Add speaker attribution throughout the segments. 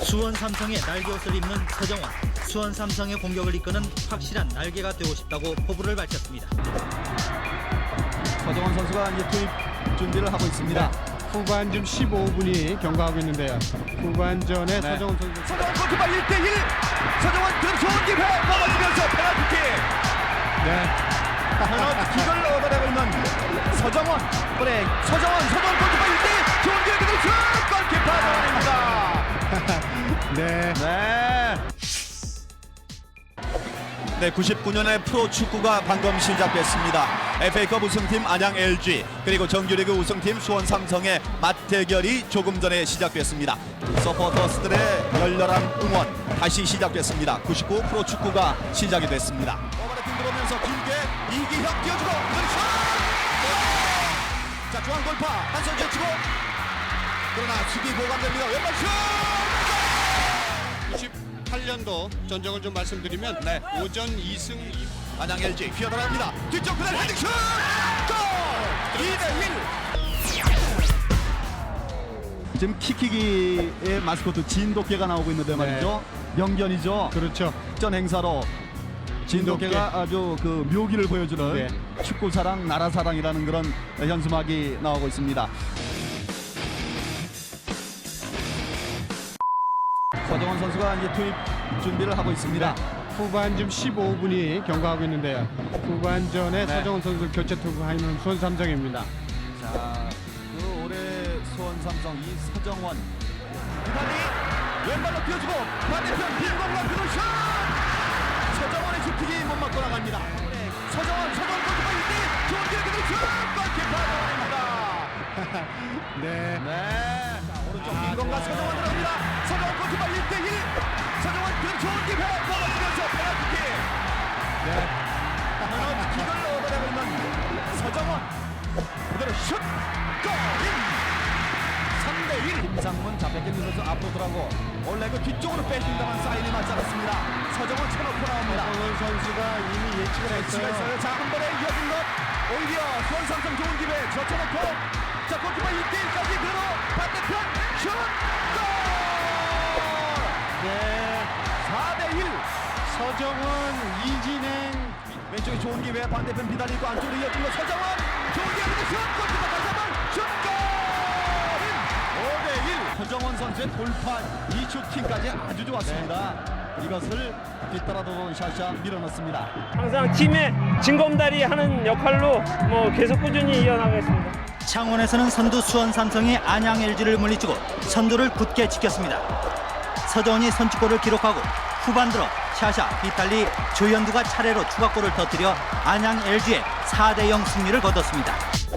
Speaker 1: 수원 삼성의 날개옷을 입는 서정원. 수원 삼성의 공격을 이끄는 확실한 날개가 되고 싶다고 포부를 밝혔습니다.
Speaker 2: 서정원 선수가 이제 투입 준비를 하고 있습니다.
Speaker 3: 네. 후반쯤 15분이 경과하고 있는데요. 후반전에 서정원 선수.
Speaker 2: 서정원 골키퍼 1대1. 서정원 등 좋은 기회 넘어지면서 페널티킥.
Speaker 3: 네.
Speaker 2: 페널티킥을 얻어내고 있는 서정원. 그래 서정원 골키퍼 1대1. 좋은 기회 그대로 슛! 골키퍼 정원입니다.
Speaker 3: 네.
Speaker 2: 네, 99년의 프로축구가 방금 시작됐습니다. FA컵 우승팀 안양 LG 그리고 정규리그 우승팀 수원 삼성의 맞대결이 조금 전에 시작됐습니다. 서포터스들의 열렬한 응원 다시 시작됐습니다. 99 프로축구가 시작이 됐습니다. 오버래핑 들어오면서 길게 이기혁 뛰어주고 슛! 자, 중앙 돌파 한손 제치고 그러나 수비 보강됩니다. 왼발 슛!
Speaker 3: 98년도 전적을 좀 말씀드리면
Speaker 2: 네.
Speaker 3: 오전 2승 2무.
Speaker 2: 안양 LG 휘어들어갑니다. 뒤쪽 그대로 헤딩슛! 골! 2대1. 지금 키키기의 마스코트 진돗개가 나오고 있는데 말이죠. 명견이죠.
Speaker 3: 그렇죠.
Speaker 2: 전 행사로 진돗개가 아주 그 묘기를 보여주는
Speaker 3: 네.
Speaker 2: 축구 사랑, 나라 사랑이라는 그런 현수막이 나오고 있습니다. 서정원 선수가 이제 투입 준비를 하고 있습니다.
Speaker 3: 후반쯤 15분이 경과하고 있는데요. 후반전에
Speaker 2: 네.
Speaker 3: 서정원 선수 교체 투입하는 수원 삼성입니다.
Speaker 2: 자, 그 올해 수원 삼성 이 서정원 비달리 왼발로 뛰어주고 반대편 빈공간 그로 슛! 서정원의 슈팅이 못 맞고 나갑니다. 서정원 골키퍼 1대1 좋은 기회 그대로 슛! 골키퍼 정원입니다.
Speaker 3: 네.
Speaker 2: 네. 자, 오른쪽 빈공간 서정원 들어갑니다. 서정원 골키퍼 1대1 서정원 그대로 좋은 기회 넘어지면서 페널티킥.
Speaker 3: 네.
Speaker 2: 페널티킥을 얻어내고 있는 서정원 그대로 슛! 골인! 3대1 김상문 잡혔겠는 선수 앞으로 들어가고 원래 그 뒤쪽으로 빼준다만 사인이 맞지 않았습니다. 서정원 쳐놓고 나옵니다.
Speaker 3: 서정원 선수가 이미 예측을
Speaker 2: 배치가
Speaker 3: 했어요.
Speaker 2: 있어요. 자, 한 번에 이어진 것 오히려 수원 삼성 좋은 기회 젖혀놓고 자, 골키퍼 1대1까지 그대로 반대편 슛! 골!
Speaker 3: 네.
Speaker 2: 4대1
Speaker 3: 서정원, 이진행.
Speaker 2: 왼쪽에 좋은 기회 반대편 비달리 있고 안쪽으로 이어진 거 서정원 좋은 기회 그대로 슛! 골키퍼 다시 한번 슛! 골! 5대1 서정원 선수의 돌파 이 슈팅까지 아주 좋았습니다. 이것을 뒤따라도는 샤샤 밀어넣습니다.
Speaker 4: 항상 팀의 징검다리 하는 역할로 계속 꾸준히 이어나가겠습니다.
Speaker 1: 창원에서는 선두 수원 삼성이 안양 LG를 물리치고 선두를 굳게 지켰습니다. 서정원이 선취골을 기록하고 후반 들어 샤샤, 비탈리, 조현두가 차례로 추가골을 터뜨려 안양 LG의 4대0 승리를 거뒀습니다.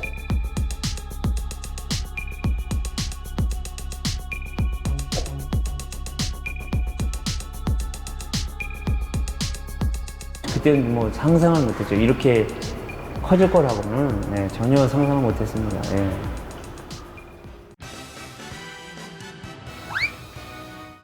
Speaker 4: 그때는 상상을 못했죠. 이렇게 커질 거라고는 전혀 상상을 못했습니다.